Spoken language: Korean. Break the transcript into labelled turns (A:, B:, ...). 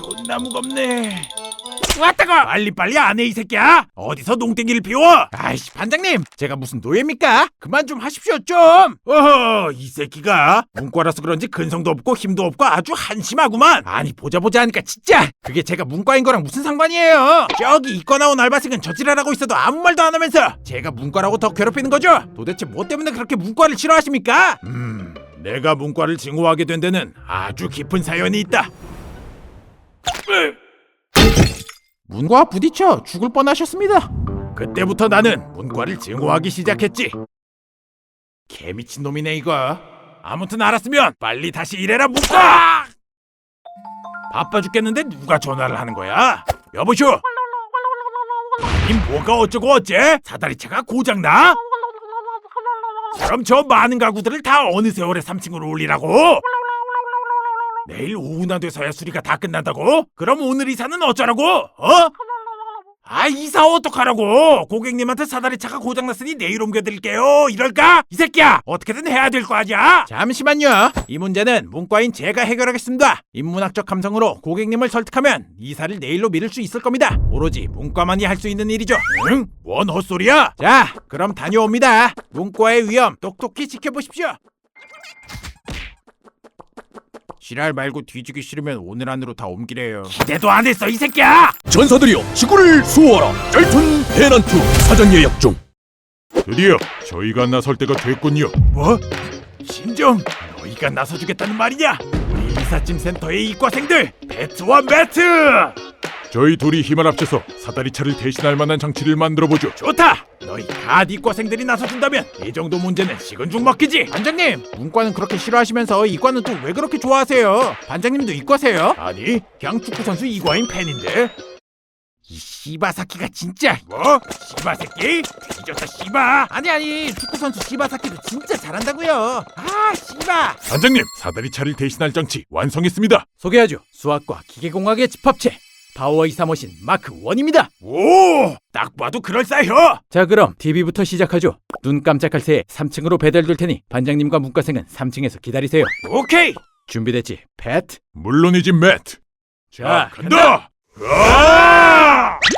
A: 존나 무겁네. 왔다고! 빨리빨리 안 해 이 새끼야! 어디서 농땡이를 피워! 아이씨 반장님, 제가 무슨 노예입니까? 그만 좀 하십시오 좀! 어허, 이 새끼가 문과라서 그런지 근성도 없고 힘도 없고 아주 한심하구만. 아니 보자 하니까 진짜 그게 제가 문과인 거랑 무슨 상관이에요? 저기 이과 나온 알바생은 저지랄하고 있어도 아무 말도 안 하면서 제가 문과라고 더 괴롭히는 거죠? 도대체 뭐 때문에 그렇게 문과를 싫어하십니까? 내가 문과를 증오하게 된 데는 아주 깊은 사연이 있다. 문과와 부딪혀 죽을 뻔하셨습니다. 그때부터 나는 문과를 증오하기 시작했지. 개미친 놈이네 이거. 아무튼 알았으면 빨리 다시 일해라 문과. 바빠 죽겠는데 누가 전화를 하는 거야? 여보쇼. 이 뭐가 어쩌고 어째? 사다리차가 고장나? 그럼 저 많은 가구들을 다 어느 세월에 3층으로 올리라고? 내일 오후나 돼서야 수리가 다 끝난다고? 그럼 오늘 이사는 어쩌라고? 어? 아 이사 어떡하라고? 고객님한테 사다리차가 고장났으니 내일 옮겨드릴게요 이럴까? 이 새끼야 어떻게든 해야 될 거 아니야? 잠시만요. 이 문제는 문과인 제가 해결하겠습니다. 인문학적 감성으로 고객님을 설득하면 이사를 내일로 미룰 수 있을 겁니다. 오로지 문과만이 할 수 있는 일이죠. 응? 뭔 헛소리야? 자 그럼 다녀옵니다. 문과의 위험 똑똑히 지켜보십시오. 지랄 말고 뒤지기 싫으면 오늘 안으로 다 옮기래요. 기대도 안 했어 이 새끼야!
B: 전사들이여 지구를 수호하라. 짤툰 대난투 사전 예약 중.
C: 드디어 저희가 나설 때가 됐군요.
A: 뭐? 신정 너희가 나서주겠다는 말이냐? 우리 이삿짐 센터의 이과생들 배트와 매트!
C: 저희 둘이 힘을 합쳐서 사다리차를 대신할 만한 장치를 만들어보죠.
A: 좋다! 너희 갓 이과생들이 나서준다면 이 정도 문제는 식은 죽 먹기지. 반장님 문과는 그렇게 싫어하시면서 이과는 또 왜 그렇게 좋아하세요? 반장님도 이과세요? 아니 그냥 축구선수 이과인 팬인데. 이 시바사키가 진짜. 뭐? 시바새끼? 뒤졌다 시바. 아니 축구선수 시바사키도 진짜 잘한다고요. 아 시바.
C: 반장님, 사다리차를 대신할 장치 완성했습니다.
B: 소개하죠. 수학과 기계공학의 집합체 파워 이사머신 마크 1입니다.
A: 오! 딱 봐도 그럴싸해.
B: 자 그럼 TV부터 시작하죠. 눈 깜짝할 새에 3층으로 배달될 테니 반장님과 문과생은 3층에서 기다리세요.
A: 오케이.
B: 준비됐지? 팻?
C: 물론이지, 매트.
A: 자 간다. 으아!